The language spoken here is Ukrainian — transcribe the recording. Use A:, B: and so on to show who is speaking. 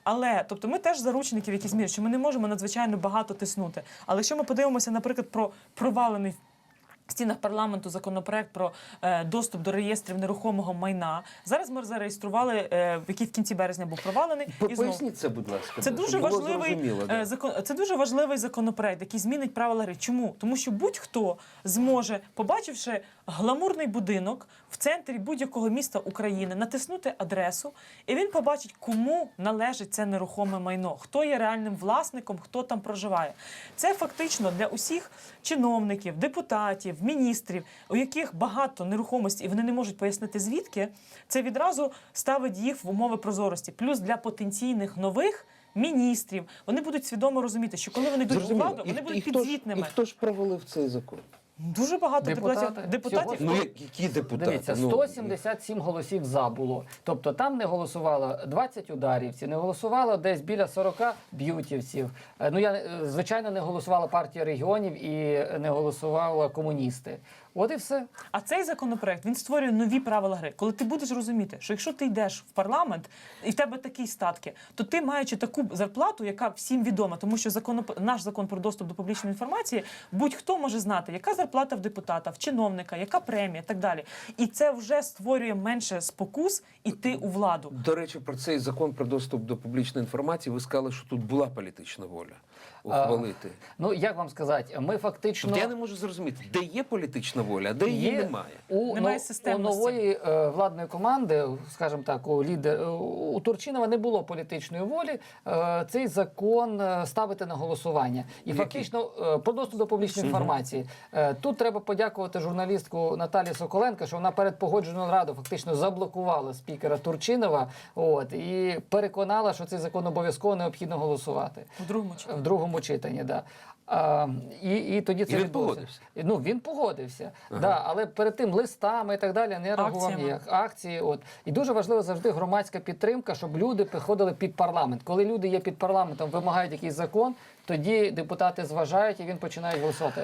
A: Але, тобто, ми теж заручники в якійсь мірі, що ми не можемо надзвичайно багато тиснути. Але якщо ми подивимося, наприклад, про провалений в стінах парламенту законопроект про доступ до реєстрів нерухомого майна. Зараз ми зареєстрували, який в кінці березня був провалений.
B: Поясніть це, будь ласка.
A: Це дуже важливий законопроект, який змінить правила гри. Чому? Тому що будь-хто зможе, побачивши гламурний будинок в центрі будь-якого міста України, натиснути адресу, і він побачить, кому належить це нерухоме майно, хто є реальним власником, хто там проживає. Це фактично для усіх чиновників, депутатів, міністрів, у яких багато нерухомості, і вони не можуть пояснити звідки, це відразу ставить їх в умови прозорості. Плюс для потенційних нових міністрів вони будуть свідомо розуміти, що коли вони йдуть у владу, вони будуть підзвітними.
B: І хто ж провалив цей закон?
A: Дуже багато депутатів.
B: Ну, які депутати?
C: Дивіться, 177 голосів «за» було. Тобто там не голосувало 20 ударівців, не голосувало десь біля 40 б'ютівців. Звичайно, не голосувала партія регіонів і не голосували комуністи. От і все.
A: А цей законопроект, він створює нові правила гри. Коли ти будеш розуміти, що якщо ти йдеш в парламент і в тебе такі статки, то ти, маючи таку зарплату, яка всім відома, тому що наш закон про доступ до публічної інформації, будь-хто може знати, яка зарплата в депутата, в чиновника, яка премія і так далі. І це вже створює менше спокус іти у владу.
B: До речі, про цей закон про доступ до публічної інформації ви сказали, що тут була політична воля ухвалити.
C: Як вам сказати, ми фактично...
B: Тобто я не можу зрозуміти, де є політична воля, а де її немає.
A: Немає
C: У нової владної команди, скажімо так, у Турчинова не було політичної волі цей закон ставити на голосування. І фактично про доступ до публічної інформації. Тут треба подякувати журналістку Наталії Соколенко, що вона перед погоджувальною радою фактично заблокувала спікера Турчинова і переконала, що цей закон обов'язково необхідно голосувати.
A: В другому
C: читанні, да. І тоді це відбулося. Він погодився. Да, але перед тим листами і так далі не реагував ніяк. Акції. І дуже важливо завжди громадська підтримка, щоб люди приходили під парламент. Коли люди є під парламентом, вимагають якийсь закон, тоді депутати зважають і він починає голосувати.